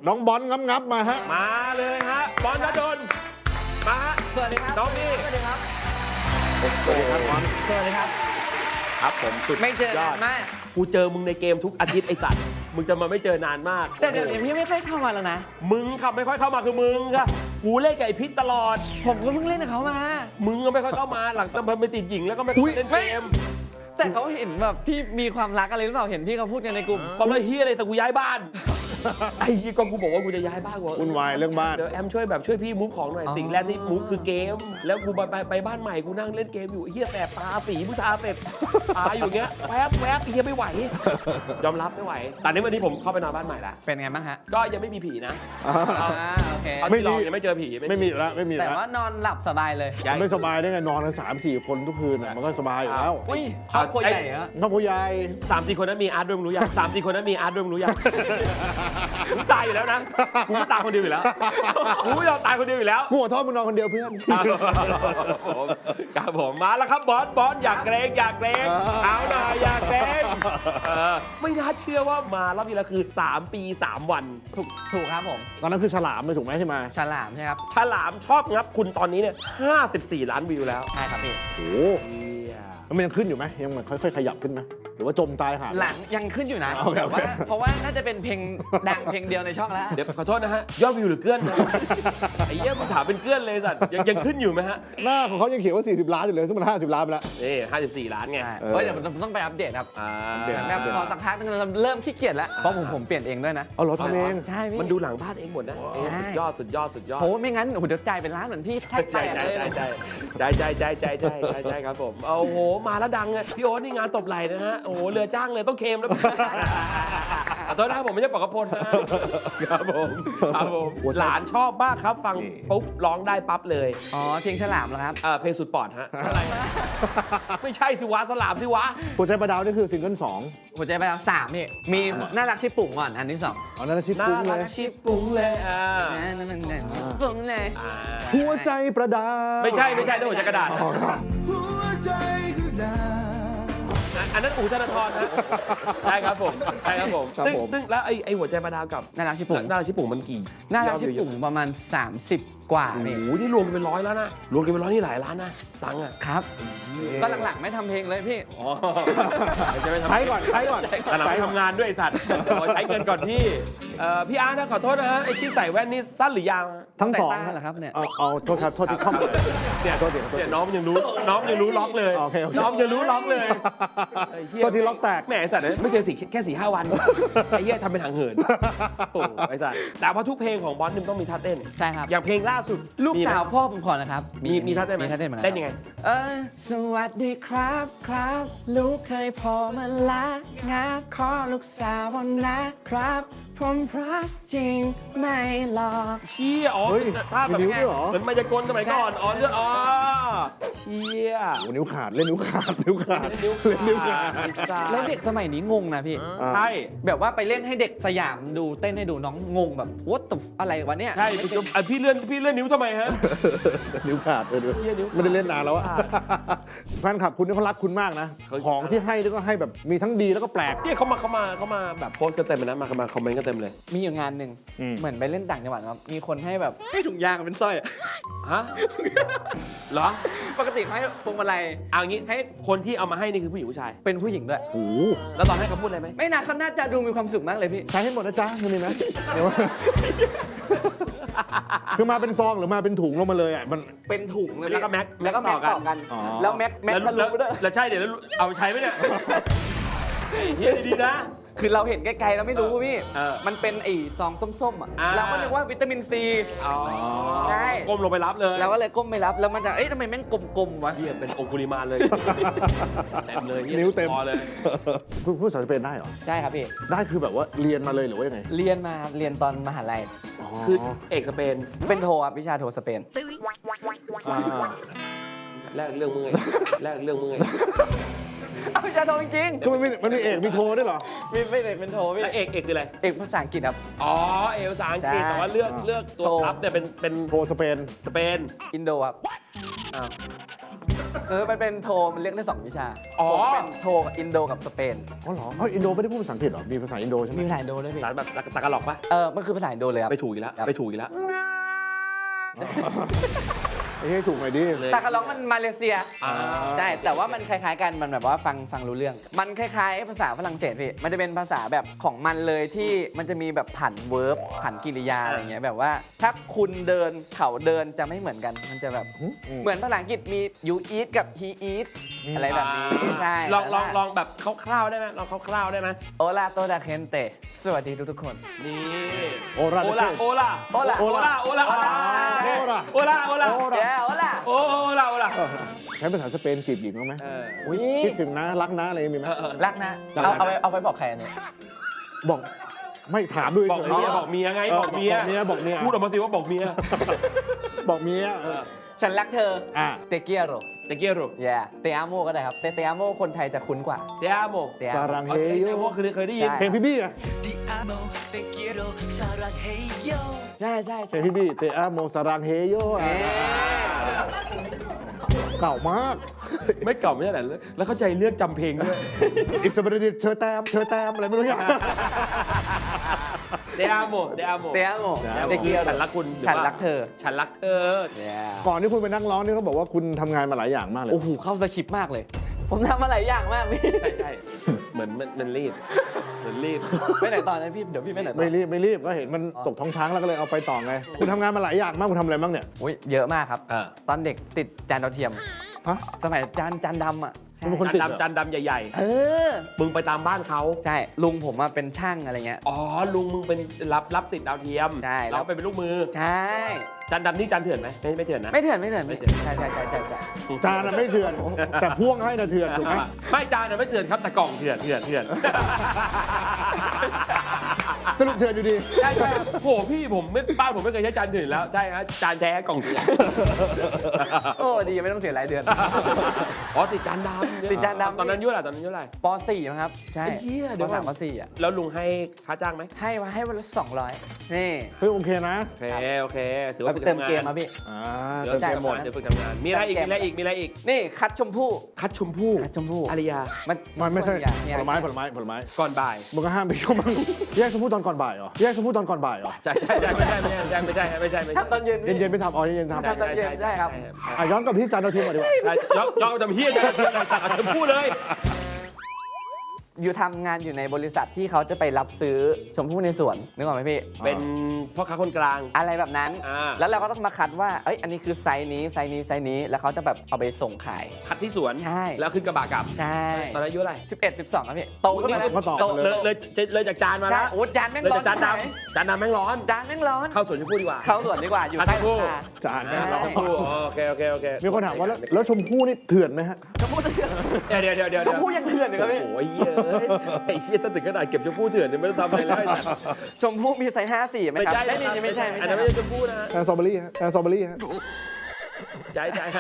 น้องบอลงับมาฮะมาเลยฮะบอลณดลมาฮะสวัสดีครับน้องนี่สวัสดีครับสวัสดีครับบอลสวัสดีครับครับผมสุดไม่เจอยอนาดนมากกูเจอมึงในเกมทุกอาทิตย์ไอ้สัตว์มึงจะมาไม่เจอนานมากแต่เดี๋ยวนี้พี่ไม่ค่อยเข้ามาแล้วนะมึงขับไม่ค่อยเข้ามาคือมึงค่ะกูเล่นกับไอ้พิษตลอดผมก็เพิ่งเล่นกับเขามามึงก็ไม่ค่อยเข้ามาหลังจากมันไปติดหญิงแล้วก็ไม่ค่อยเล่นเกมแต่เขาเห็นแบบพี่มีความรักอะไรหรือเปล่า เห็นพี่เขาพูดกันในกลุ่มก็ไม่เฮียอะไรแต่กูย้ายบ้าน ไอ้ยี่ก็กูบอกว่ากูจะย้ายบ้านวะวุ่นวายเรื่องบ้านเดี๋ยวแอมช่วยแบบช่วยพี่มูฟของหน่อยอ๋อสิ่งแรกที่มูฟคือเกม แล้วกูไปบ้านใหม่กูนั่งเล่นเกมอยู่ไอ้เฮียแสบตาสีผู้ชาเสร็จตาอยู่เงี้ยแวบไอ้เฮียไม่ไหวยอมรับไม่ไหวแต่นี้วันนี้ผมเข้าไปนอนบ้านใหม่ละเป็นไงบ้างฮะก็ยังไม่มีผีนะโอเคเอาที่ลองยังไม่เจอผีไม่มีแล้วไม่มีแต่แล้วว่านอนหลับสบายเลยย้ายไม่สบายได้ไงนอนกัน3-4 คนทุกคืนอ่ะมันก็สบายอยู่แล้วอุ้ยครอบครัวใหญ่เหรอน้องผู้ใหญ่ 3-4 คนนั้นมีอาร์ตด้วยมึงรู้ยัง3-4 คนนั้นมีอาร์ตด้วยมึงรู้ยังกูตายอยู่แล้วนะกูไม่ตายคนเดียวอยู่แล้วกูไม่ยอมตายคนเดียวอยู่แล้วกูขอโทษมึงนอนคนเดียวเพื่อนครับผมมาแล้วครับบอสอยากเกรงเอาหน่อยอยากเกรงไม่น่าเชื่อว่ามารอบนี้แล้วคือ3 ปี 3 วันถูกครับผมตอนนั้นคือฉลามเลยถูกไหมที่มาฉลามใช่ครับฉลามชอบงับคุณตอนนี้เนี่ย54 ล้านวิวแล้วใช่ครับพี่โอ้โหมันยังขึ้นอยู่ไหมยังมันค่อยๆขยับขึ้นไหมหรือว่าจมตายหาหลังยังขึ้นอยู่นะโอเคแต่ว่าเพราะว่าน่าจะเป็นเพลงดังเพลงเดียวในช่องแล้วเดี๋ยวขอโทษนะฮะยอดวิวหรือเกื้อนนะไอ้เหี้ยมึงถามเป็นเกื้อนเลยสัตว์ยังขึ้นอยู่ไหมฮะหน้าของเขายังเขียนว่า40 ล้านอยู่เลยซึ่งมัน50 ล้านไปแล้วนี่54 ล้านไงใช่เฮ้ยเดี๋ยวมันต้องไปอัปเดตครับเปลี่ยนแบบพอสักพักนึงเราเริ่มขี้เกียจแล้ว เพราะผมเปลี่ยนเองด้วยนะเอาเหรอทำเองใช่พี่มันดูหลังบ้านเองหมดนะใช่สุดยอดโอ้ไม่งั้นโอ้โหเดี๋ยวจ่ายเป็นล้านเหมือนพี่แทบแตกเลยใจครับผมโอ้โหมาแล้วดังเลยพี่โอ๊ตนี่งานตบไหล่นะฮะโอ้โหเรือจ้างเลยต้องเคลมแล้วขอโทษนะครับผมไม่ใช่ปอกกระพลนะครับผมหลานชอบมากครับฟังปุ๊บร้องได้ปั๊บเลยอ๋อเพลงฉลามเหรอครับเพลงสุดปอดฮะอะไรไม่ใช่สิวะสลามสิวะหัวใจประดาวนี่คือซิงเกิล2 หัวใจไปแล้ว3พี่มีน่ารักชิปปุ่งก่อนอันที่2 อ๋อนั่นชิปน่าปุ้งเลรัยกชิบปุ้งเลยปุ่งเลยหัวใจประดาวไม่ใช่ต้องหัวใจกระดาษอ๋อครับอันนั้นอู๋ธนาธรนะใช่ครับผมซึ่งแล้วไอ้หัวใจประดาวกับน่ารักชิปปุ่งน่ารักชิบปุ่งมันกี่น่ารักชิปปุ่งประมาณ30 กว่าโอ้นี่โหนี่รวมกันเป็น100แล้วนะรวมกันเป็น100นี่หลายล้านนะตังค์อ่ะครับก็หลังๆไม่ทำเพลงเลยพี่อ๋อใช้ก่อนแต่หลังไปทำงานด้วยไอ้สัตว์ขอใช้เงินก่อนพี่พี่อาร์ตนะขอโทษนะฮะไอ้ที่ใส่แว่นนี่สั้นหรือยาวทั้งสองใส่ตาเหรอครับเนี่ยเอาโทษครับโทษที่เข้ามาเนี่ยโทษทีเนี่ยน้องยังรู้ล็อกเลยโอเคน้องยังรู้ล็อกเลยไอ้เหี้ยโทษที่ล็อกแตกแหมไอ้สัตว์ไม่เจอแค่4-5 วันไอ้เหี้ยทำเป็นหางเหินโอ้ไอ้สัตว์แต่พอทุกเพลงของบอสนี่มันต้องมีท่าเต้นใช่ครับอย่างเพลงล่าสุดลูกสาวพ่อผมขอนะครับมีท่าเต้นไหมมีท่าเต้นเหมือนกัเต้นยังไงสวัสดีครับลูกเคยพอมาละงาขอลูกสาวนะครับผมรักจริงไม่หลอกเชี่ยอ๋อเฮ้ยท่าแบบมีนิ้วด้วยเหรอเหมือนมายากลสมัยก่อนอ๋อเลือดอ๋อเชี่ยโอ้นิ้วขาดเล่นนิ้วขาดเล่นนิ้วขาดแล้วเด็กสมัยนี้งงนะพี่ใช่แบบว่าไปเล่นให้เด็กสยามดูเต้นให้ดูน้องงงแบบ what the อะไรวะเนี่ยใช่พี่เลื่อนนิ้วทำไมฮะนิ้วขาดเลยด้วยเหี้ยนิ้วขาดไม่ได้เล่นนานแล้วอะแฟนคลับคุณนี่เขารักคุณมากนะเขาของที่ให้นี่ก็ให้แบบมีทั้งดีแล้วก็แปลกเนี่ยเขามาแบบโพสต์กันเต็มเลยนะมาคอมเมนต์กันเต็มเลยมีอยู่งานหนึ่งอืมเหมือนไปเล่นต่างจังหวัดครับมีคนให้แบบให้ถุงยางเป็นสร้อยอะฮะเหรอปกติเขาให้พวงมาลัยเอางี้ให้คนที่เอามาให้นี่คือผู้หญิงผู้ชายเป็นผู้หญิงด้วยโอ้โหแล้วตอนให้เขาพูดอะไรไหมไม่น่าเขาน่าจะดูมีความสุขมากเลยพี่ใช้ให้หมดนะจ๊ะคือมีไหมเดี๋ยว คือมาเป็นซองหรือมาเป็นถุงลงมาเลยอ่ะมันเป็นถุงเลยแล้วก็แม็กแล้วก็แม็กต่อกันอ๋อแล้วแม็กทะลุด้วยแล้วใช่เดี๋ยวแล้วเอาไปใช้ไหมเนี่ยไอ้เฮียดีๆนะคือเราเห็นไกลๆเราไม่รู้พี่เออมันเป็นไอ้ซองส้มๆอ่ะอ่าเราก็นึกว่าวิตามินซีอ๋อใช่ก้มลงไปรับเลยเราก็เลยก้มไม่รับ แล้วมันจะ เอ้ยทำไมแม่งกลมๆวะเฮียเป็นองคุลิมานเลยเต็มเลยหี้ยนิ้วเต็มพอเลยพูดภาษาสเปนได้เหรอใช่ครับพี่ได้คือแบบว่าเรียนมาเลยหรือว่ายังไงเรียนมาครับเรียนตอนมหาลัยคือเอกสเปนเป็นโทครับวิชาโทสเปนอ่าแรกเรื่องมึงไงแรกเรื่องมึงไงเอาวิชาโทจริงคือมันมีเอกมีโทด้วยเหรอๆไม่ได้เป็นโทพี่แล้วเอกคืออะไรเอกภาษาอังกฤษครับอ๋อเอกภาษาอังกฤษใช่แต่ว่าเลือกตัวโทซับเนี่ยเป็นโทสเปนสเปนอินโดครับอ้าวมันเป็นโทมันเรียกได้2 วิชาอ๋อผมเป็นโทกับอินโดกับสเปนอ๋อเหรออินโดไม่ได้พูดภาษาอังกฤษเหรอมีภาษาอินโดใช่ไหมมีภาษาอินโดด้วยพี่สารแบบตะกะหลอกปะมันคือภาษาอินโดเลยครับไม่ถูกอีกแล้วไม่ถูกอีกแล้วไอ้ให้ถูกหน่อยดิเลยตากะล็อกมันมาเลเซียอ่าใช่ แต่ว่ามันคล้ายๆกัน มันแบบว่าฟังรู้เรื่อง มันคล้ายๆภาษาฝรั่งเศสพี่ มันจะเป็นภาษาแบบของมันเลยที่มันจะมีแบบผันเวิร์บผันกริยาอะไรเงี้ยแบบว่าถ้าคุณเดินเขาเดินจะไม่เหมือนกัน มันจะแบบเหมือนภาษาอังกฤษมี you eat กับ he eat อะไรแบบนี้ใช่ลองแบบคร่าวๆได้ไหมลองคร่าวๆได้ไหมโอลาโตดาเคนเตสวัสดีทุกๆคนนี่โอราโอลาโอลาโอลาโอลาโอลาโอลาโอลาโอลาแย่โอลาโอลาโอลาใช้ภาษาสเปนจีบหญิงบ้างไหมอุ้ยคิดถึงนะรักนะอะไรมีไหมรักนะ เอาไปบอกใครอันเนี่ยบอกไม่ถามด้วยบอกเมียบอกเมียไงบอกเมียบอกเมียพูดออกมาสิว่าบอกเมียบอกเมียฉันรักเธออ่ะเตเกียโรตะเกียรุแย่เตอาโมก็ได้ครับเตอาโมคนไทยจะคุ้นกว่าเตียโมเตอาซาโมรังเฮ้เฮยโยพวกเคยได้ยินใช่เพลงพี่บี้อะ Te amo, te quiero, sarangheyo. ใช่ใช่เพลงพี่บี้เตอาโมซารังเฮโยอะเก่ามากไม่เก่าไม่ใช่เหรอแล้วเข้าใจเลือกจำเพลงด้วยอิสบริดิตเชอร์แตมอะไรไม่รู้อย่างเตียโมเตียโมเตอาโม Te เตเกียโรฉันรักคุณฉันรักเธอฉันรักเธอแย่ก่อนที่คุณเป็นนักร้องนี่เขาบอกว่าคุณทำงานมาหลายอย่างมากเลยโอ้โหเข้าสคริปต์มากเลย ผมทำมาหลายอย่างมากพี่ใช่เหมือนมันรีบเหมือนรีบไปไหนต่อนะพี่เดี๋ยวพี่ไปไหนต่อไม่รีบก็เห็นมันตกท้องช้างแล้วก็เลยเอาไปต่อไง คุณทำงานมาหลายอย่างมากคุณทำอะไรบ้างเนี่ยอุ้ยเยอะมากครับอ่าตอนเด็กติดจานดาวเทียมฮะสมัยจานดำอ่ะใช่เป็นคนจานดำจานดำใหญ่เออๆ มึงไปตามบ้านเขาใช่ลุงผมมาเป็นช่างอะไรเงี้ยอ๋อ ลุงมึงเป็นรับติดดาวเทียมใช่เราไปเป็นลูกมือใช่จานดำนี่จานเถื่อนไหมไม่เถื่อนนะไม่เถื่อนไม่เถื่อนไม่เถื่อนใช่จานอะไม่เถื่อน แต่พ่วงให้นะเถื่อนถูกไหมไม่จานนะไม่เถื่อนครับแต่กล่องเถื่อนสรุปเถื่อนอยู่ดีใช่โหพี่ผมไม่บ้านผมไม่เคยใช้จานเถื่อนแล้วใช่ฮะจานแท้กล่องเถื่อนโอ้ดีไม่ต้องเสียรายเดือนอ๋อติดจานดำติดจานดำตอนนั้นอายุ่อะไรตอนนั้นอายุ่อะไรป .4 มั้งครับใช่ไอ้เหี้ยเดี๋ยวปก่อน .3 ป .4 อ่ะแล้วลุงให้ค่าจ้างไหมให้วันละ200นี่เฮ้ยโอเคนะโอเคถือเอาว่าไปฝึกเติมทำงานเกมมาพี่อ่าเดี๋ยวเติมจ่ายเกมหมดเดี๋ยวฝึกทำงานมีอะไรอีกมีอะไรอีกนี่คัดชมพู่คัดชมพู่คัดชมพู่อารยามันไม่ใช่มีผอะไรลไม้ผลไม้ผลไม้ก่อนบ่ายมึงก็ห้ามไปยุ่งมั้งแยกชมพู่ตอนก่อนบ่ายเหรอแยกชมพู่ตอนก่อนบ่ายเหรอใช่ไม่ใช่ทำตอนเย็นพี่เย็นๆไปทำอ๋อเย็นๆทำทำตอนเย็นได้ครับอ่ะย้อนกลับไปที่จานดาวเทียมก่อนดีกว่าย้อนจำเฮียจะสั่งชมพู่เลยอยู่ทำงานอยู่ในบริษัทที่เขาจะไปรับซื้อชมพู่ในสวนนึกออกไหมพี่เป็นพ่อค้าคนกลางอะไรแบบนั้นอ่าแล้วเราก็ต้องมาคัดว่าเอ้ยอันนี้คือไซส์นี้ไซส์นี้ไซส์นี้แล้วเขาจะแบบเอาไปส่งขายคัดที่สวนใช่แล้วขึ้นกระบะกลับใช่ตอนนั้นอายุอะไร 11 12ครับพี่โตขึ้นมาแล้วก็ตอบโตเลยเลยจากจานมาใช่แล้วโอ้จานแม่งเลยร้อจากนจานดำแม่งร้อนจานแม่งร้อนเข้าสวนชมพู่ดีกว่าเข้าสวนดีกว่าอยู่คัดใต้ชมพู่ราคาจานแม่งใช่ร้อนชมพู่โอเคมีคนถามว่าแล้วชมพู่นี่เถื่อนไหมฮะชมพู่เถื่อนเดี๋ยวชมพู่ยังเถื่อนอยู่ครับพี่โอ้ยไอ้เหี้ยถ้าถึงขนาดเก็บชมพู่เถื่อนเนี่ยไม่ต้องทำอะไรแล้วชมพู่มีไซส์54ไหมไม่ครับใช่ไม่ใช่อันนั้นไม่ใช่ชมพู่นะแอนสตรอเบอรี่ฮะแอนสตรอเบอรี่ฮะใจฮะ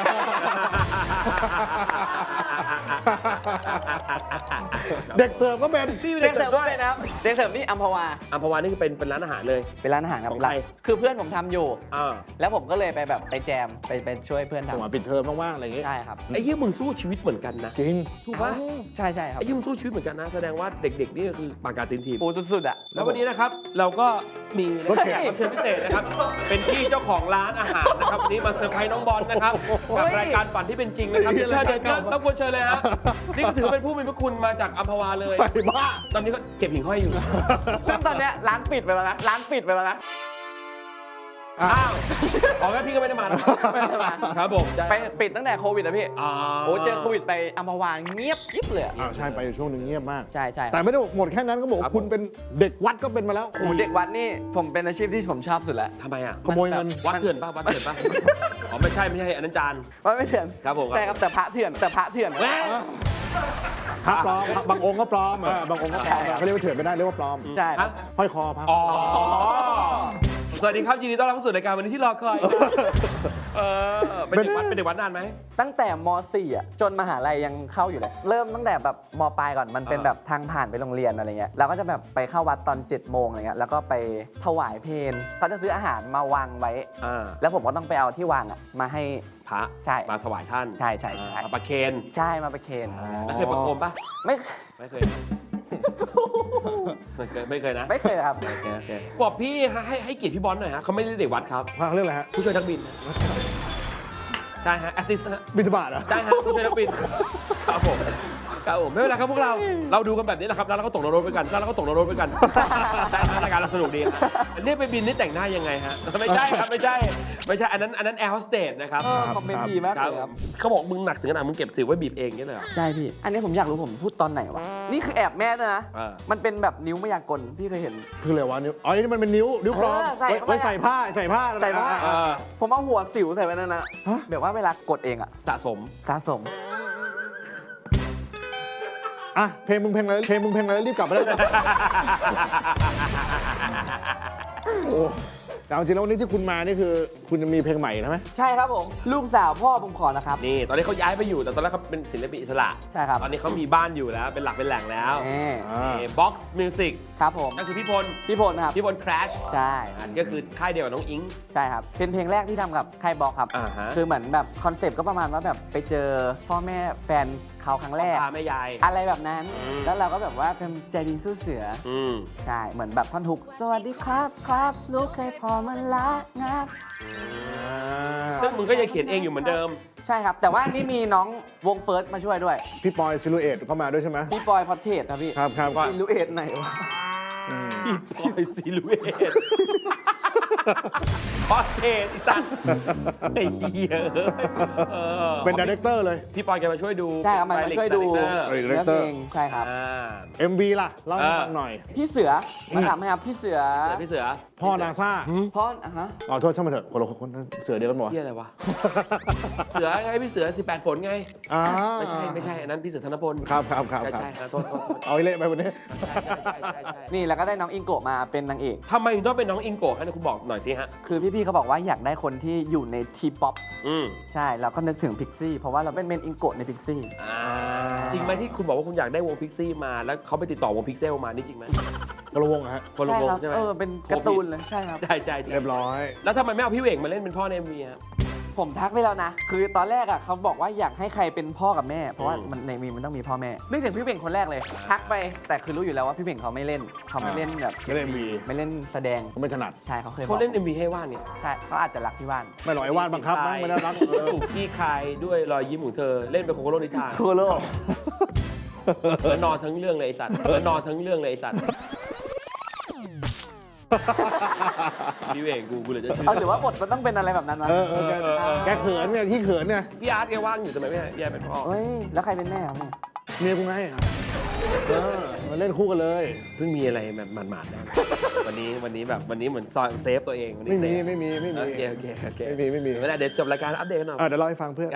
เด็กเสิร์ฟก็เป็นเด็กเสิร์ฟด้วยนะครับเด็กเสิร์ฟนี่อัมพวาอัมพวานี่คือเป็นร้านอาหารเลยเป็นร้านอาหารครับของใครคือเพื่อนผมทำอยู่อ่าแล้วผมก็เลยไปแบบไปแจมไปช่วยเพื่อนจังหวะทำปิดเทอมว่างๆอะไรอย่างเงี้ยใช่ครับไอ้เหี้ยมึงสู้ชีวิตเหมือนกันนะจริงถูกปะใช่ครับไอ้เหี้ยมึงสู้ชีวิตเหมือนกันนะแสดงว่าเด็กๆนี่ก็คือปากกาตีนทีมปูสุดๆอ่ะแล้ววันนี้นะครับเราก็มีรถเข็นแขกรับเชิญพิเศษนะครับ เป็นพี่เจ้าของร้านอาหารนะครับวันนี้มาเซอร์ไพรส์น้องบอลนะครับกับรายการฝันที่เป็นจริงนะครับเชิญเดินรบกวนเชิญเลยฮะนี่ก็ถือเป็นผู้มีพระคุณมาจากอัมพวาเลยไปบ้าตอนนี้ก็เก็บหิ่งห้อยอยู่ซึ่งตอนเนี้ยร้านปิดไปแล้วนะร้านปิดไปแล้วนะอ้าวอ๋องั้นพี่ก็ไม่ได้มานะไม่ได้มาครับผมได้ไปปิดตั้งแต่โควิดอะพี่อ๋อโอ้เจอโควิดไปอัมพวาเงียบกริบเลยอะใช่ไปอยู่ช่วงหนึ่งเงียบมากใช่แต่ไม่ได้หมดแค่นั้นก็บอกว่าคุณเป็นเด็กวัดก็เป็นมาแล้วโอ้เด็กวัดนี่ผมเป็นอาชีพที่ผมชอบสุดแล้วทำไมอ่ะขโมยเงินวัดเถื่อนป่ะวัดเถื่อนป่ะอ๋อไม่ใช่อันนั้นจานว่าไม่เถื่อนครับผมใช่ครับแต่พระเถื่อนแม่พระปลอมบางองค์ก็ปลอมบางองค์ก็ปลอมใช่ครับเขาเรียกว่าเถื่อนไม่ได้เรียกว่าปลอมใช่ครับฮะห้อยคอพระอ๋อสวัสดีครับยินดีต้อนรับเข้าสู่รายการวันนี้ที่รอคอยครับเป็นเด็กวัดนานไหมตั้งแต่ม .4 อ่ะจนมหาลัยยังเข้าอยู่เลย เริ่มตั้งแต่แบบมปลายก่อนมันเป็นแบบทางผ่านไปโรงเรียนอะไรเงี้ยเราก็จะแบบไปเข้าวัดตอน7 โมงอะไรเงี้ยแล้วก็ไปถวายเพลเขาจะซื้ออาหารมาวางไว้แล้วผมก็ต้องไปเอาที่วางอ่ะมาให้พระใช่มาถวายท่านใช่มาประเคนใช่มาประเคนแล้วเคยประโคมปะไม่ไม่เคยนะไม่เคยนะไม่เคยครับโอเคบอกพี่ให้เกียรติพี่บอลหน่อยฮะเขาไม่ได้เด็กวัดครับฟังเรื่องอะไรฮะผู้ช่วยนักบินนะใช่ฮะแอสซิสต์ฮะบิณฑบาตเหรอใช่ฮะผู้ช่วยนักบินครับผมไม่เป็นไรครับพวกเราดูกันแบบนี้แหละครับแล้วเราก็ตกนรกไปกันแล้วเราก็ตกนรกไปกันได้ครับรายการเราสนุกดีครับอันนี้ไปบินนี่แต่งหน้ายังไงฮะไม่ใช่ครับไม่ใช่อันนั้นแอร์โฮสเตสนะครับคอมเมนต์ดีมากเลยครับเขาบอกมึงหนักถึงขนาดมึงเก็บสิวไว้บีบเองนี่เลยเหรอใช่พี่ อันนี้ผมอยากรู้ผมพูดตอนไหนวะ นี่คือแอบแม่ด้วยนะ มันเป็นแบบนิ้วมายากลพี่เคยเห็นคืออะไรวะนิ้วอ๋อนี่มันเป็นนิ้วปลอมใส่ไว้ใส่ผ้าใส่ผ้า ผมเอาหัวสิวใส่ไว้นั่นนะฮะแบบว่าเวลากดเองอะสะสมสะสมอ่ะเพลงมึงเพลงอะไรรีบกลับมาได้เลยโอ้แต่จริงๆแล้ววันนี้ที่คุณมานี่คือคุณจะมีเพลงใหม่ใช่ไหมใช่ครับผม ลูกสาวพ่อผมขอนะครับนี่ตอนนี้เขาย้ายไปอยู่แต่ตอนแรกเขาเป็นศิลปินอิสระใช่ครับตอนนี้เขามีบ้านอยู่แล้วเป็นหลักเป็นแหล่งแล้วอ่า Box Music ครับผมนั่นคือพี่พลพี่พลครับพี่พล Crash ใช่อันก็คือค่ายเดียวกับน้องอิงใช่ครับ เป็นเพลงแรกที่ทำกับค่ายบล็อกครับอ่าฮะคือเหมือนแบบคอนเซปต์ก็ประมาณว่าแบบไปเจอพ่อแม่แฟนเขาครั้งแรกพาแม่ยายอะไรแบบนั้นอืมแล้วเราก็แบบว่าเป็นใจดีสู้เสือ ใช่ เหมือนแบบท่อนฮุก สวัสดีครับครับลูกเคยพอมันละงับซึ่งมึงก็ยังเขียนเองอยู่เหมือนเดิมใช่ครับ แต่ว่านี่มีน้องวงเฟิร์สมาช่วยด้วยพี่ปอยซิลูเอตเข้ามาด้วยใช่ไหมพี่ปอยพอเทสครับพี่ครับซิลูเอทไหนวะอืมพี่ปอยซีลูเอตคอสเทสอีสัตว์ไอ้เหี้ยเออเป็นดีเรคเตอร์เลยพี่ปอยแกมาช่วยดูใช่ครับมันมาช่วยดูเออเนื้อเพลงใช่ครับ MV ล่ะเล่าให้ฟังหน่อยพี่เสือมาถามให้ครับพี่เสือพี่เสือพ่อนาซาพ่ออ่ะฮะอ๋อโทษช่างมันเถอะคนละคนเสือเดียวกันหมดเหี้ยอะไรวะ เสือไงพี่เสือ18 ฝนไงอ่าไม่ใช่อันนั้นพี่เสือธนพลครับใช่โทษเอาไอ้เละไปวันนี้ใช่นี่แล้วก็ได้น้องอิงโกะมาเป็นนางเอกทำไมถึงต้องเป็นน้องอิงโกะให้คุณบอกหน่อยสิฮะคือพี่ๆเขาบอกว่าอยากได้คนที่อยู่ในทีป๊อปอืมใช่เราก็นึกถึงพิกซี่เพราะว่าเราเป็นเมนอิงโกะในพิกซี่จริงไหมที่คุณบอกว่าคุณอยากได้วงพิกซี่มาแล้วเขาไปติดต่อวงพิกเซลมานี่จริงไหมกระวงอะฮะคนละวงครับใช่ไหมเป็นการ์ตูนเลยใช่ครับใช่เรียบร้อยแล้วทำไมไม่เอาพี่เวกมาเล่นเป็นพ่อใน MV ฮะผมทักไปแล้วนะ คือตอนแรกอ่ะเขาบอกว่าอยากให้ใครเป็นพ่อกับแม่ เพราะว่ามันในมีมันต้องมีพ่อแม่นึกถึงพี่เบ่งคนแรกเลย ทักไปแต่คือรู้อยู่แล้วว่าพี่เบ่งเขาไม่เล่นเขาไม่เล่นแบบไม่เล่น MV ไม่เล่นแสดงผมไม่ถนัดใช่เขาเคยบเขาอกเล่น MV ให้ว่านเนี่ยใช่เขาอาจจะรักที่บ้านไม่หรอกไอ้วาดบังคับมั้งไม่ได้รักถูกขี้คายด้วยรอยยิ้มของเธอเล่นเป็นโคโคโรนิทานโคโลแล้วนอนทั้งเรื่องเลยไอ้สัตว์แล้วนอนทั้งเรื่องเลยไอ้สัตว์พี่เวกกูเลยจะชื่อเอาถือว่าบทมันต้องเป็นอะไรแบบนั้นมั้ยแกเขินไงที่เขินไงพี่อาร์ตแกว่างอยู่ทำไมไม่ให้แยกเป็นพ่อเฮ้ยแล้วใครเป็นแม่ครับเนี่ยเมียกูไงมาเล่นคู่กันเลยเพิ่งมีอะไรแบบหมาดๆนะวันนี้เหมือนซอยเซฟตัวเองวันนี้ไม่มีโอเคไม่มีไม่ได้เดี๋ยวจบรายการอัปเดตกันหน่อยเดี๋ยวเล่าให้ฟังเพื่อน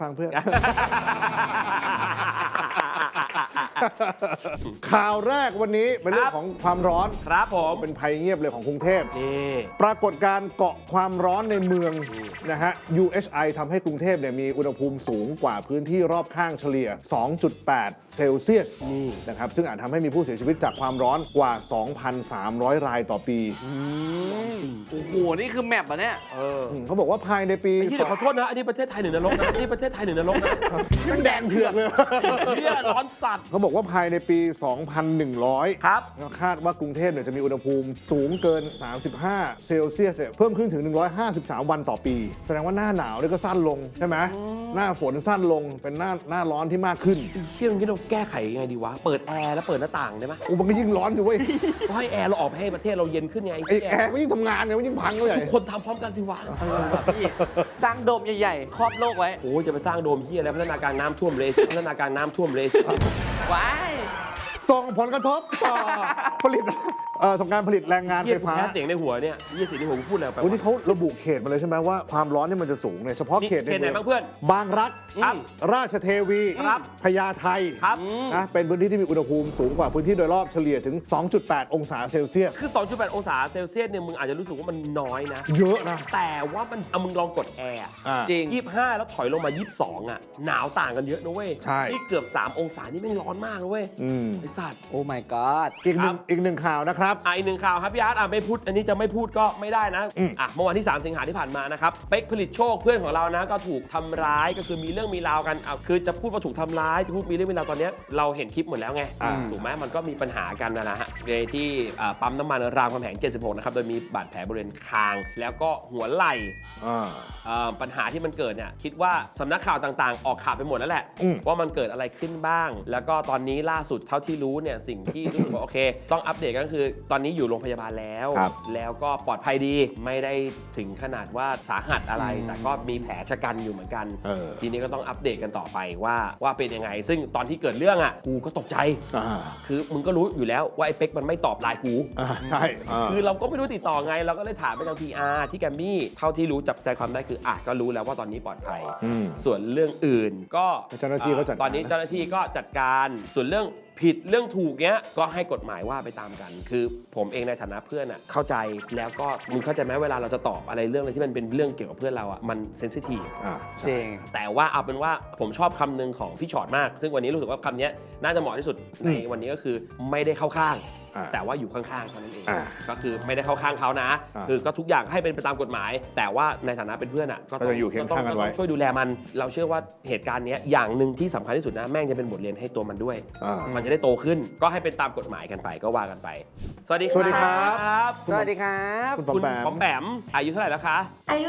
ข่าวแรกวันนี้เป็นเรื่องของความร้อนครับผมเป็นภัยเงียบเลยของกรุงเทพนี่ปรากฏการณ์เกาะความร้อนในเมืองนะฮะ UHI ทำให้กรุงเทพเนี่ยมีอุณหภูมิสูงกว่าพื้นที่รอบข้างเฉลี่ย 2.8 เซลเซียสนี่นะครับซึ่งอาจทำให้มีผู้เสียชีวิตจากความร้อนกว่า 2,300 รายต่อปีโอ้โหนี่คือแมปอะเนี่ยเขาบอกว่าภายในปีไอ้ที่เดี๋ยวขอโทษนะอันนี้ประเทศไทยหนึ่งนรกนะนี่ประเทศไทยหนึ่งนรกนะมันแดงเถือกเลยเหี้ยร้อนสัตว์เขาบอกว่าภายในปี 2,100 ครับคาดว่ากรุงเทพเนี่ยจะมีอุณหภูมิสูงเกิน 35 เซลเซียสเนี่ยเพิ่มขึ้นถึง 153 วันต่อปี แสดงว่าหน้าหนาวเนี่ยก็สั้นลงใช่ไหมหน้าฝนสั้นลงเป็นหน้าร้อนที่มากขึ้นเที่ยงนี้เราแก้ไขยังไงดีวะเปิดแอร์แล้วเปิดหน้าต่างได้ไหมโอ้มันก็ยิ่งร้อนอยู่เว้ยก็ให้แอร์เราออกให้ประเทศเราเย็นขึ้นไงไอ้แอร์ก็ยิ่งทำงานเนี่ยมันยิ่งพังเลยทุกคนทำพร้อมกันสิวะพี่สร้างโดมใหญ่ๆ ครอบโลกไว้โอ้จะไปสร้างโดมเฮียอะไรพัฒนาการน้ำท่วมเลยพัฒนาการน้ำท่วมเลยว้ายส่งผลกระทบต่อผลิตส่งการผลิตแรงงานเยี่ไฟยกูฟ้าแค่เสียงในหัวเนี่ยเยี่ยเสียงในหัวกูพูดอะไรไปโอ้นี่เขาระบุเขตมาเลยใช่ไหมว่าความร้อนเนี่ยมันจะสูงเนี่ยเฉพาะเขตเขตไหนบ้างเพื่อนบางรักครับราชเทวีครับพญาไทครับนะเป็นพื้นที่ที่มีอุณหภูมิสูงกว่าพื้นที่โดยรอบเฉลี่ยถึง 2.8 องศาเซลเซียสคือ 2.8 องศาเซลเซียสเนี่ยมึงอาจจะรู้สึกว่ามันน้อยนะเยอะนะแต่ว่ามันเอามึงลองกดแอร์อ่าจริง 25 แล้วถอยลงมา 22 อ่ะ หนาวต่างกันเยอะนะเว้ยใช่นี่เกือบ 3 องศานี่แม่งร้อนมากนะเว้ยอืมไอสัตว์โอ้ my god อีกหนึ่งข่าวนะครับอีกหนึ่งข่าวครับพี่อาร์ตไม่พูดอันนี้จะไม่พูดก็ไม่ได้นะอืมเมื่อวันที่ 3 สิงหาที่ผ่านมานะครับเป๊กผลิตโชคเพื่อนของเรานะก็ถูกทำร้ายก็คือมีเรื่องมีราวกันคือจะพูดว่าถูกทำร้ายจะพูดมีเรื่องมีราวตอนเนี้ยเราเห็นคลิปหมดแล้วไง ถูกไหมมันก็มีปัญหากันนะฮะในที่ปั๊มน้ำมันรามคำแหง 76 นะครับโดยมีบาดแผลบริเวณคาง แล้วก็หัวไหล่ ปัญหาที่มันเกิดเนี่ยคิดว่าสำนักข่าวต่างๆ ออกข่าวไปหมดแล้วแหละ ว่ามันเกิดอะไรขึ้นบ้าง แล้วก็ตอนนี้ล่าสุดเท่าที่รู้เนี่ยสิ่งที่รู้สึกว่าโอเค ต้องอัปเดตก็คือตอนนี้อยู่โรงพยาบาลแล้วครับแล้วก็ปลอดภัยดีไม่ได้ถึงขนาดว่าสาหัสอะไร แต่ก็มีแผลชะกันอยู่เหมือนกัน ทีนี้ก็ต้องอัปเดตกันต่อไปว่าเป็นยังไง ซึ่งตอนที่เกิดเรื่องอ่ะกูก็ตกใจ คือมึงก็รู้อยู่แล้วว่าไอ้เป๊กมันไม่ตอบไลน์กูใช่าคือเราก็ไม่รู้ติดต่อไง เราก็เลยถามไปทาง PR ที่แกรมมี่เท่าที่รู้จับใจความได้คือก็รู้แล้วว่าตอนนี้ปลอดภัย ส่วนเรื่องอื่นก็เจ้าหน้าที่เขาจัดการตอนนี้เจ้าหน้าที่ก็จัดการส่วนเรื่องผิดเรื่องถูกเนี้ยก็ให้กฎหมายว่าไปตามกัน คือผมเองในฐานะเพื่อนอ่ะเข้าใจแล้วก็มึงเข้าใจไหมเวลาเราจะตอบอะไรเรื่องอะไรที่มันเป็นเรื่องเกี่ยวกับเพื่อนเราอ่ะมันเซนซิทีฟจริงแต่ว่าเอาเป็นว่าผมชอบคำหนึ่งของพี่ชอตมาก ซึ่งวันนี้รู้สึกว่าคำนี้น่าจะเหมาะที่สุดในวันนี้ก็คือไม่ได้เข้าข้าง แต่ว่าอยู่ข้างๆเท่านั้นเองก็คือไม่ได้เข้าข้างเขานะ คือก็ทุกอย่างให้เป็นไปตามกฎหมาย แต่ว่าในฐานะเป็นเพื่อนอ่ะก็ต้องอยู่เคียงข้างกันไว้ช่วยดูแลมัน เราเชื่อว่าเหตุการณ์นี้อย่างหนึ่งที่สำคัญที่สุดนะแม่งจะเป็นบทเรียนให้ตัวมันด้วย มันจะได้โตขึ้นก็ให้เป็นตามกฎหมายกันไปก็ว่ากันไป สวัสดีครับสวัสดีครับสวัสดีครับคุณปอมคุณแปมปอมแปมอายุเท่าไหร่แล้วคะอายุ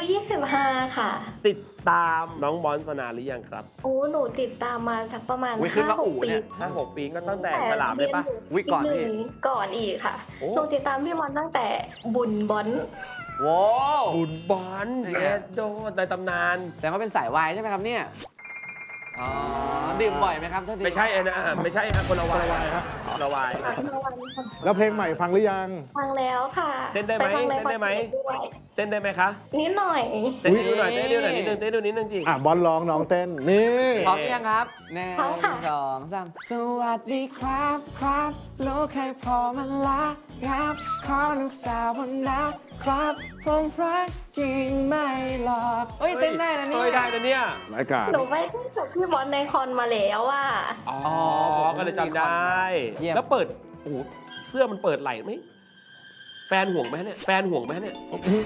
25 ค่ะติดตามน้องบอลมานานหรือยังครับโอ้ หนูติดตามมาสักประมาณอุ๊ยขึ้นมาอู่ 5-6 ปีเนี่ย 5-6 ปีก็ตั้งแต่ฉลามเลยปะอุ๊ยก่อนพี่ก่อนอีกค่ะโอ้หนูติดตามพี่บอลตั้งแต่บุญบอลว้าวบุญบอลเยโดในตำนานแต่ว่าเป็นสายวายใช่ไหมครับเนี่ย อ๋อ ดื่มบ่อยไหมครับโทษทีไม่ใช่นะไม่ใช่ฮะคนละวายครับคนละวายแล้วเพลงใหม่ฟังหรือยังฟังแล้วค่ะเต้นได้ไหมปฟังในเต้นได้ไหมคอนเสิร์ตด้วยเต้นได้ไหมคะนิดหน่อยเต้นให้ดูหน่อยเต้นให้ดูหน่อยนิดนึงเต้นให้ดูนิดนึงจริงบอลร้องน้องเต้น นี่พร้อมหรือยังครับหนึ่งพร้อมค่ะสองสามสวัสดีครับครับโลกให้พอมาละครับขอลูกสาววันนะครับผมรักจริงไม่หลอกเฮ้ยเต้นได้นะเนี่ยเฮ้ยได้นะเนี่ยรายการหนูไปเต้นกับพี่บอลในคอนมาแล้วว่าอ๋อก็เลยจำได้เยี่ยมแล้วเปิดโอ้โหเสื้อมันเปิดไหล่ไหมแฟนห่วงไหมเนี่ยแฟนห่วงไหมเนี่ย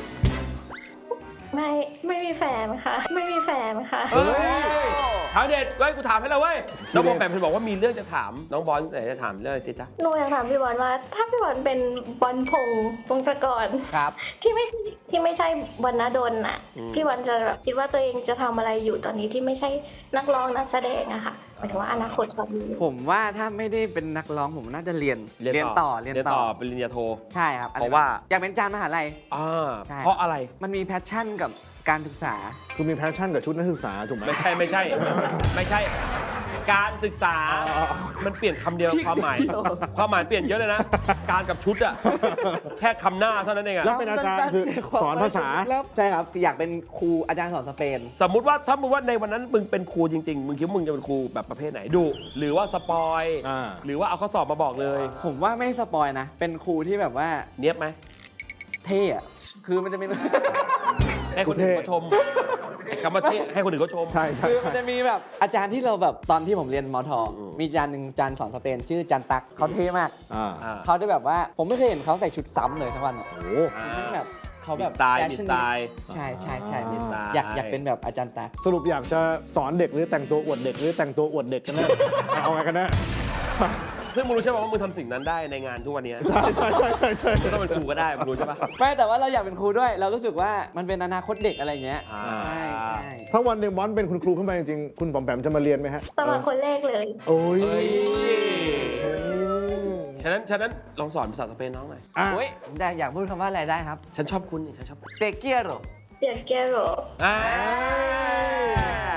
ไม่มีแฟนค่ะ ไม่มีแฟนค่ะเฮ้ยถามเด็ดเว้ยกูถามให้เราเว้ยน้องบอลแปมเพิ่นบอกว่ามีเรื่องจะถามน้องบอลไหนจะถามเรื่องอะไรสิจ๊ะหนูอยากถามพี่บอลว่า ถ้าพี่บอลเป็นบอลพงศกรครับที่ไม่ใช่บรรณดลน่ะ พี่บอลจะแบบคิดว่าตัวเองจะทำอะไรอยู่ตอนนี้ที่ไม่ใช่นักร้องนักแสดงอะค่ะหมายถึงว่าอนาคตตอนนี้ผมว่าถ้าไม่ได้เป็นนักร้องผมน่าจะเรียนต่อปริญญาโทใช่ครับเพราะว่าอยากเป็นอาจารย์มหาลัย ใช่เพราะอะไรมันมีแพชชั่นกับการศึกษาคือมีแพชชั่นกับชุดนักศึกษาถูกไหมไม่ใช่ไม่ใช่ การศึกษา มันเปลี่ยนคำเดียวความหมายเปลี่ยนเยอะเลยนะ การกับชุดอะแค่คำหน้าเท่านั้นเองอะแล้วเป็นอาจารย์คือสอนภาษาใช่ครับ อยากเป็นครูอาจารย์สอนสเปนสมมุติว่าถ้ามึงว่าในวันนั้นมึงเป็นครูจริงๆ มึงคิดว่ามึงจะเป็นครูแบบประเภทไหนดุหรือว่าสปอย หรือว่าเอาข้อสอบมาบอกเลยผมว่าไม่สปอยนะ เป็นครูที่แบบว่าเนี้ยบไหมเท่อะคือมันจะเป็นให้คนอื่นเขาชมคำว่าเท่ให้คนอื่นเขาชมใช่ใช่คือมันจะมีแบบอาจารย์ที่เราแบบตอนที่ผมเรียนมทอืมมีอาจารย์หนึ่งอาจารย์สอนสเปน ชื่ออาจารย์ตักเขาเท่มากอ่าเขาได้แบบว่าผมไม่เคยเห็นเขาใส่ชุดซ้ำเลยทั้งวันอะโอ้แบบเขาแบบมีสไตล์ passionate ใช่ใช่ใช่มีสไตล์อยากเป็นแบบอาจารย์ตักสรุปอยากจะสอนเด็กหรือแต่งตัวอวดเด็กหรือแต่งตัวอวดเด็กกันแน่เอาไงกันแน่ซึ่งมึงรู้ใช่ไหมว่ามึงทำสิ่งนั้นได้ในงานทุกวันนี้ใช่ใช่ใช่ใช่ใช่ไม่ต้องเป็นครูก็ได้มึงรู้ใช่ปะไม่แต่ว่าเราอยากเป็นครูด้วย เรารู้สึกว่ามันเป็นอนาคตเด็กอะไรเงี้ยอ่าใช่ใช่ถ้าวันหนึ่งบอลเป็นคุณครูขึ้นมาจริงๆ คุณปอมแปมจะมาเรียนไหมฮะสมัครคนแรกเลยโอ้ยเฮ้ยเฮ้ยฉะนั้นลองสอนภาษาสเปนน้องหน่อยอ่ะโอ้ยอยากพูดคำว่าอะไรได้ครับฉันชอบคุณนี่ฉันชอบคุณเตเกียโรเดียเกโรอ่า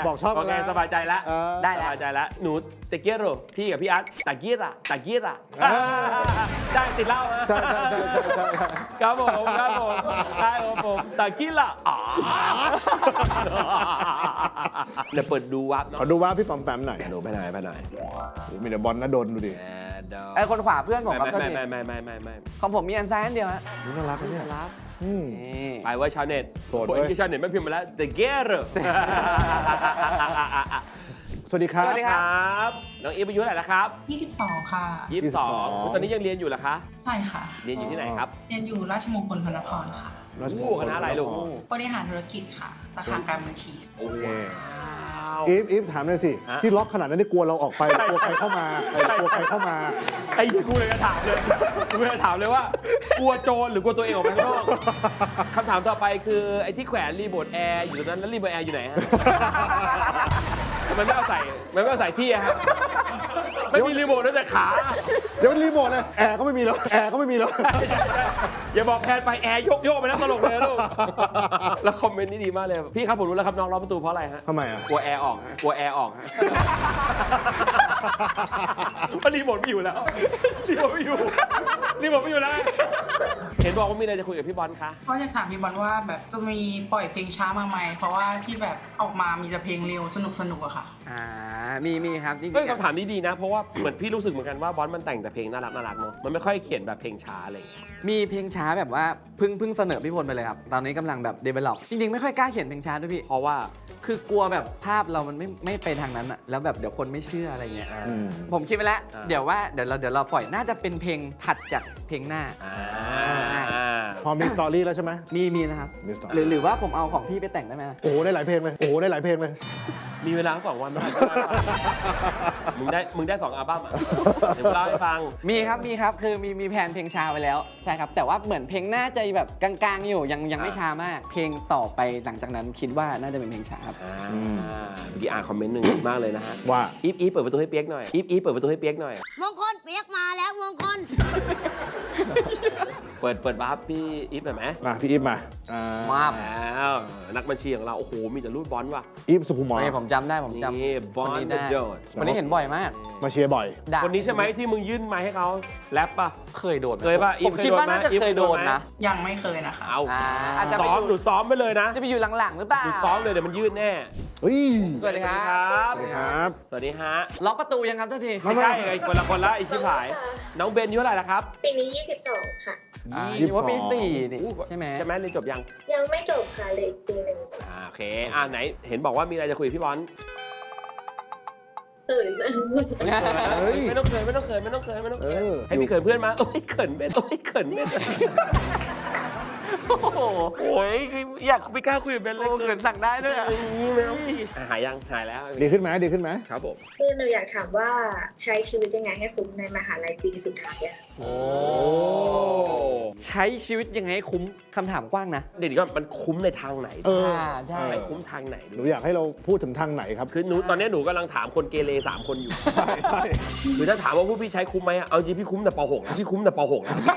บอกชอบโอเคแล้วสบายใจแล้วได้สแล้วบายใจแล้วหนูเตเกียโรพี่กับพี่อาร์ตตะเกียระตะเกียระอ่าได้ติดเหล้านะใช่ใช่ใช่ใช่ใช่ครับผมครับผมได้ครับผมตะเกียระอ๋อเดี๋ยวเปิดดูวับเนาะขอดูว่าพี่ปอมแปมหน่อยหนูไปไหนไปไหนมีแต่บอลนะโดนดูดิไอ้คนขวาเพื่อนผมครับไม่โทษทีไม่ของผมมีอันซ้ายอันเดียวฮะนี่น่ารักนะเนี่ยอืมนี่ไปเว่าชาวเน็ตโสดคนเว้ยที่ชาวเน็ตไม่พิมพ์มาแล้ว The Gear สวัสดีครับสวัสดีครับครับน้องอีฟอายุเท่าไหร่แล้วครับ 22 ค่ะ 22ตอนนี้ยังเรียนอยู่เหรอคะใช่ค่ะเรียนอยู่ที่ไหนครับเรียนอยู่ราชมงคลพระนครค่ะราชมงโอ้คลคณะอะไรลูกบริหารธุรกิจค่ะ สาขาการบัญชีโอ้โหอีฟถามหน่อยสิฮะที่ล็อกขนาดนั้นได้กลัวเราออกไปกลัวใครเข้ามาใช่กลัวใครเข้ามาไอ้ที่กูเลยจะถามเลยกูเลยจะถามเลยว่ากลัวโจรหรือกลัวตัวเองออกไปข้างนอกคำถามต่อไปคือไอ้ที่แขวนรีโมทแอร์อยู่ตรงนั้นแล้วรีโมทแอร์อยู่ไหนฮะมันไม่เอาใส่ที่อะฮะไม่มีรีโมทนอกจากขาเดี๋ยวรีโมทเลยแอร์ก็ไม่มีแล้วแอร์ก็ไม่มีแล้วอย่าบอกแพนไปแอร์โยกไปนะตลกเลยนะลูก แล้วคอมเมนต์นี่ดีมากเลย พี่ครับผมรู้แล้วครับน้องล็อกประตูเพราะอะไรฮะทำไมอ่ะกลัวแอร์ออกฮะกลัวแอร์ออกฮะ เพราะรีโมทไม่อยู่แล้ว รีโมทไม่อยู่แล้ว เห็นบอกว่ามีอะไรจะคุยกับพี่บอลคะก็อยากถามพี่บอลว่าแบบจะมีปล่อยเพลงช้ามาไหม เพราะว่าที่แบบออกมามีแต่เพลงเร็วสนุกอะค่ะมีครับนี่เฮ้ยคำถามนี้ดีนะ เพราะว่าเหมือนพี่รู้สึกเหมือนกันว่าบอลมันแต่งแต่เพลงน่ารักเนาะ มันไม่ค่อยเขียนแบบเพลงช้าอะไรอย่างเงี้ยมีเพลงช้าแบบว่าเพิ่งเสนอพี่พลไปเลยครับ ตอนนี้กำลังแบบ develop จริงๆ ไม่ค่อยกล้าเขียนเพลงช้าด้วยพี่เพราะว่าคือกลัวแบบภาพเรามันไม่ไปทางนั้นอะแล้วแบบเดี๋ยวคนไม่เชื่ออะไรเงี้ยอืมผมคิดไปแล้วอ่าเดี๋ยวเราปล่อยน่าจะเป็นเพลงถัดจากเพลงหน้าพอมีสตอรี่แล้วใช่ไหมมีนะครับมีสตอหรืรี่อว่าผมเอาของพี่ไปแต่งได้ไหมโอ้โหได้หลายเพลงเลยโอ้โหได้หลายเพลงเลยมีเวลา2 วันเมื่อไหร่ก็ได้ป่ะมึงได้2 อัลบั้มอ่ะ เดี๋ยวเล่าให้ฟังมีครับคือมีแผนเพลงช้าไว้แล้วใช่ครับแต่ว่าเหมือนเพลงหน้าจะแบบกลางๆอยู่ยังไม่ช้ามาก เพลงต่อไปหลังจากนั้นคิดว่าน่าจะเป็นเพลงช้าครับเมื่อกี้อ่านคอมเมนต์หนึ่งมากเลยนะฮะว่าอีฟเปิดประตูให้เปียกหน่อย อีฟเปิดประตูให้เปียกหน่อยมงคลเปียกมาแล้วมงคลเปิดวาร์ปพี่อีฟหน่อยไหมมาพี่อีฟมามาแล้วนักบัญชีของเรา โอ้โห มีแต่รูดบอลว่ะอีฟสุขุมรนี่ผมจำได้ผมจำนี่บอลคนนี้เดได้อะโดดวันนี้เห็นบ่อยมากมาเชียร์บ่อยด่าคนนี้ใช่ไหมที่มึงยื่นไมค์ให้เขาแรปป่ะเคยโดนไหมเคยป่ะผมคิดว่าน่าจะอีฟเคยโดนเคยโดนไหมนะยังไม่เคยนะคะเอาอาจจะไปซ้อมอยู่หนูซ้อมไปเลยนะจะไปอยู่หลังๆหรือเปล่าหนูซ้อมเลยเดี๋ยวมันยื่นแน่เฮ้ยสวัสดีครับสวัสดีครับสวัสดีฮะล็อกประตูยังครับเจ้าทีไม่ใช่ไอ้คนละคนละไอ้ชิบหาย น้องเบนอายุเท่าไหร่แล้วครับปีนี้ 22 ค่ะนี่ว่าปี4นี่อู้ใช่ไหมใช่ไหมเรียนจบยังยังไม่จบค่ะเหลยปีหนึ่งโอเคไหนเห็นบอกว่ามีอะไรจะคุยกับพี่บอลตื่นเฮ้ยไม่ต้องเขินให้มีเขินเพื่อนมาโอ้ยเขินเบนโอ้โหอยากไม่กล้าคุยกับเบนเลยโอ้เขินสั่งได้ด้วยอะหายยังหายแล้วดีขึ้นไหมดีขึ้นไหมครับผมคือหนูอยากถามว่าใช้ชีวิตยังไงให้คุ้มในมหาลัยปีสุดท้ายอะโอ้ใช้ชีวิตยังไงให้คุ้มคำถามกว้างนะเดี๋ยวก็มันคุ้มในทางไหนเออใช่ไหนคุ้มทางไหนหนูอยากให้เราพูดถึงทางไหนครับคือหนูตอนนี้หนูกำลังถามคนเกเร3 คนอยู่ใช่ใช่คือถ้าถามว่าพวกพี่ใช้คุ้มไหมอะเอาจริงพี่คุ้มแต่ป .6 แล้วพี่คุ้มแต่ป .6 แล้ว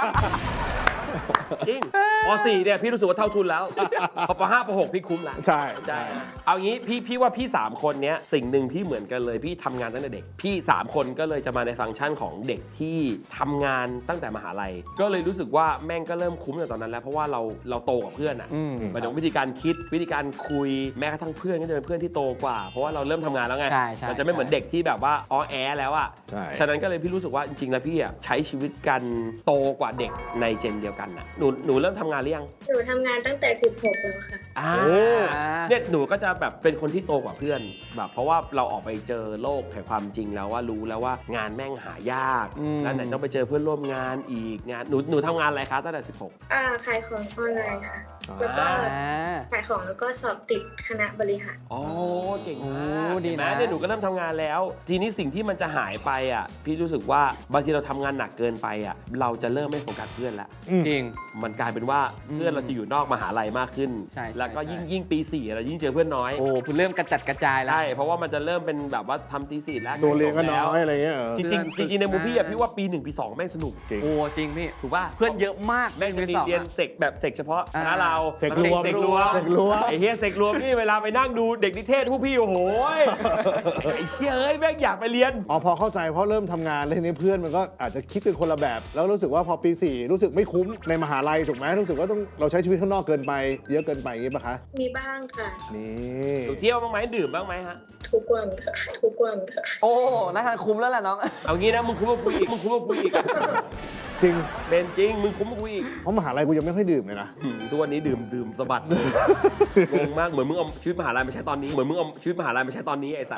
จริงป .4 เนี่ยพี่รู้สึกว่าเท่าทุนแล้วพอป .5 ป .6 พี่คุ้มแล้วใช่ใช่เอางี้พี่ว่าพี่3 คนเนี้ยสิ่งหนึ่งที่เหมือนกันเลยพี่ทำงานตั้งแต่เด็กพี่3 คนก็เลยจะมาในฟังก์ชันของเด็กที่ทำงานตั้งแต่มหาลัยก็เลยรู้สึกว่าแม่งก็เริ่มคุ้มในตอนนั้นแล้วเพราะว่าเราโตกับเพื่อนอ่ะอืมหมายถึงวิธีการคิดวิธีการคุยแม้กระทั่งเพื่อนก็จะเป็นเพื่อนที่โตกว่า เพราะว่าเราเริ่มทำงานแล้วไงใช่มันจะไม่เหมือนเด็กที่แบบว่าอ้อแอแล้วอ่ะใช่ฉะนั้นก็เลยพี่รู้สึกว่าจริงๆแล้วพี่อ่ะใช้ชีวิตกันโตกว่าเด็กในเจนเดียวกันน่ะหนูเริ่มทำงานหรือยังหนูทำงานตั้งแต่ 16 แล้วค่ะเนี่ยหนูก็จะแบบเป็นคนที่โตกว่าเพื่อนแบบเพราะว่าเราออกไปเจอโลกแห่งความจริงแล้วว่ารู้แล้วว่างานแม่งหายาก แล้วไหนต้องไปเจอเพื่อนร่วมงานอีกงานหนูทำงานอะไรคะตั้งแต่ 16 ขายของออนไลน์ค่ะ แล้วก็ขายของแล้วก็สอบติดคณะบริหารอ๋อเก่งโอ้มากดีเห็นไหมนะเนี่ยหนูก็เริ่มทำงานแล้ว ทีนี้สิ่งที่มันจะหายไปอ่ะพี่รู้สึกว่าบางทีเราทำงานหนักเกินไปอ่ะเราจะเริ่มไม่โฟกัสเพื่อนละจริงงมันกลายเป็นว่าเพื่อนเราจะอยู่นอกมหาลัยมากขึ้นใช่แล้วก็ใช่ยิ่งปี4เรายิ่งเจอเพื่อนน้อยโอ้คุณเริ่มกระจัดกระจายแล้วใช่เพราะว่ามันจะเริ่มเป็นแบบว่าทำตี4แล้วโดนเรียนก็น้แล้วอยอะไรเงี้ยจริงๆจริงๆในมุมพี่อะพี่ว่าปี1ปี2แม่งสนุกจริงโอ้จริงพี่ถูกป่ะเพื่อนเยอะมากแม่งจะมีสองเรียนเสกแบบเสกเฉพาะคณะเราเสกรวมเสกรวมเสกรวมไอ้เฮียเสกรวมนี่เวลาไปนั่งดูเด็กนิเทศผู้พี่โอ้โหยไอ้เฮียเอ้ยแม่งอยากไปเรียนอ๋อพอเข้าใจเพราะเริ่มทำงานแล้วทีนี้เพื่อนมันก็อาจจะคิดกันคนละแบบ แล้วรู้สึกว่าพอปี 4 รู้สึกไม่คุ้มในมหาลัยถูกไหมรู้สึกว่าต้องเราใช้ชีวิตข้างนอกเกินไปเยอะเกินไปอย่างงี้ปะคะมีบ้างค่ะนี่เที่ยวบ้างไหมดื่มบ้างไหมฮะทุกวันค่ะ ทุกวันค่ะโอ้น่าจะคุ้มแล้วแหละน้องเอางี้นะมึงคุ้มกว่ากูอีกมึงคุ้มกว่ากูอีกจริงเป็นจริงมึงคุ้มกว่ากูอีกเพราะมหาลัยกูยังไม่ค่อยดื่มเลยนะทุกวันนี้ดื่มสะบัดเลยงงมากเหมือนมึงเอาชีวิตมหาลัยมาใช้ตอนนี้เหมือนมึงเอาชีวิตมหาลัยมาใช้ตอนนี้ไอ้สัส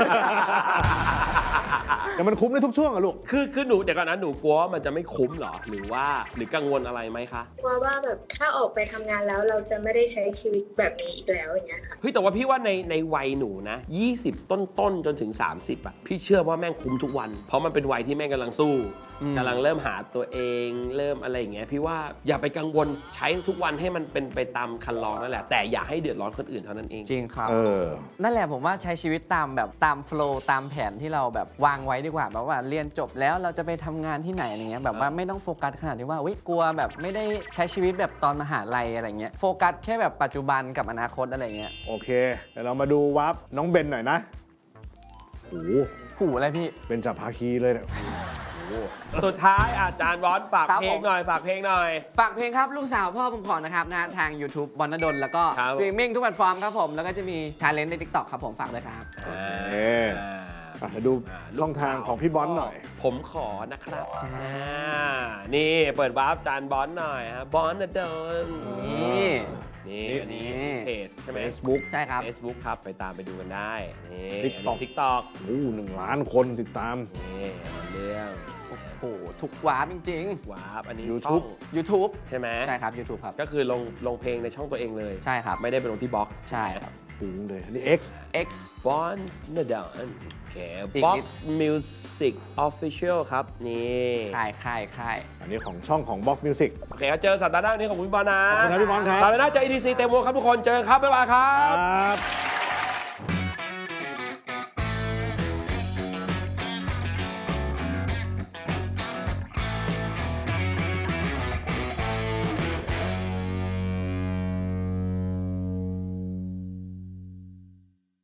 แต่มันคุ้มในทุกช่วงอะลูกคือหนูเดี๋ยวก่อนนะหนูกลัวว่ามันจะไม่คุ้มเหรอหรือกังวลอะไรไหมคะเพราะว่าแบบถ้าออกไปทำงานแล้วเราจะไม่ได้ใช้ชีวิตแบบนี้อีกแล้วอย่างเงี้ยค่ะเฮ้ยแต่ว่าพี่ว่าในวัยหนูนะ20ต้นจนถึง30อะพี่เชื่อว่าแม่งคุ้มทุกวัน เพราะมันเป็นวัยที่แม่งกำลังสู้กำลังเริ่มหาตัวเองเริ่มอะไรอย่างเงี้ยพี่ว่าอย่าไปกังวลใช้ทุกวันให้มันเป็นไปตามคันลองนั่นแหละแต่อย่าให้เดือดร้อนคนอื่นเท่านั้นเองจริงครับเออนั่นแหละผมว่าใช้ชีวิตตามแบบตามโฟลว์ตามแผนที่เราแบบวางไว้ดีกว่าแบบว่าเรียนจบแล้วเราจะไปทำงานที่ไหนอะไรเงี้ยแบบว่าไม่ต้องโฟกัสขนาดที่ว่าอุ๊ยกลัวแบบไม่ได้ใช้ชีวิตแบบตอนมหาลัยอะไรเงี้ยโฟกัสแค่แบบปัจจุบันกับอนาคตอะไรเงี้ยโอเคเดี๋ยวเรามาดูวับน้องเบนหน่อยนะโอ้โหหูอะไรพี่เป็นจับภาคีเลยเนี่ยสุดท้ายอาจารย์บอลฝากครับเพลผงมหน่อยฝากเพลงหน่อยฝากเพลงครับลูกสาวพ่อผมขอนะครับนะทาง YouTube บอลนดลแล้วก็ครับสตรีมมิ่งทุกแพลตฟอร์มครับผมแล้วก็จะมีชาเลนจ์ใน TikTok ครับผมฝากด้วยครับอ่ะเดี๋ยวดูช่องทางของพี่บอลหน่อยผมขอนะครับใช่นี่เปิดวาร์ปจานบอลหน่อยฮะบอลนะเดินนี่นี่อันนี้นี่เพจใช่ไหม Facebook ใช่ครับ Facebook ครับไปตามไปดูกันได้นี่ TikTok TikTok โอ้1 ล้านคนติดตามนี่เรื่องโอ้โหทุกวาร์ปจริงวาร์ปอันนี้ YouTube ช่องๆ YouTube ใช่ไหมใช่ครับ YouTube ครับก็คือลงเพลงในช่องตัวเองเลยใช่ครับไม่ได้ไปลงที่บ็อกซ์ใช่ครับปุ้งเลยอันนี้ X X บอลนะเดินโอเคอีกบ็อกนิดซ์มิวสิกออฟฟิเชียลครับนี่ค่ายอันนี้ของช่องของ Box Music โอเคครับเจอสัปดาห์หน้านี้ของคุณบอลนะขอบคุณครับพี่บอลครับสัปดาห์หน้าเจอ EDC เต็มวงครับทุกคนเจอกันครับบ๊ายบายครัครับ บ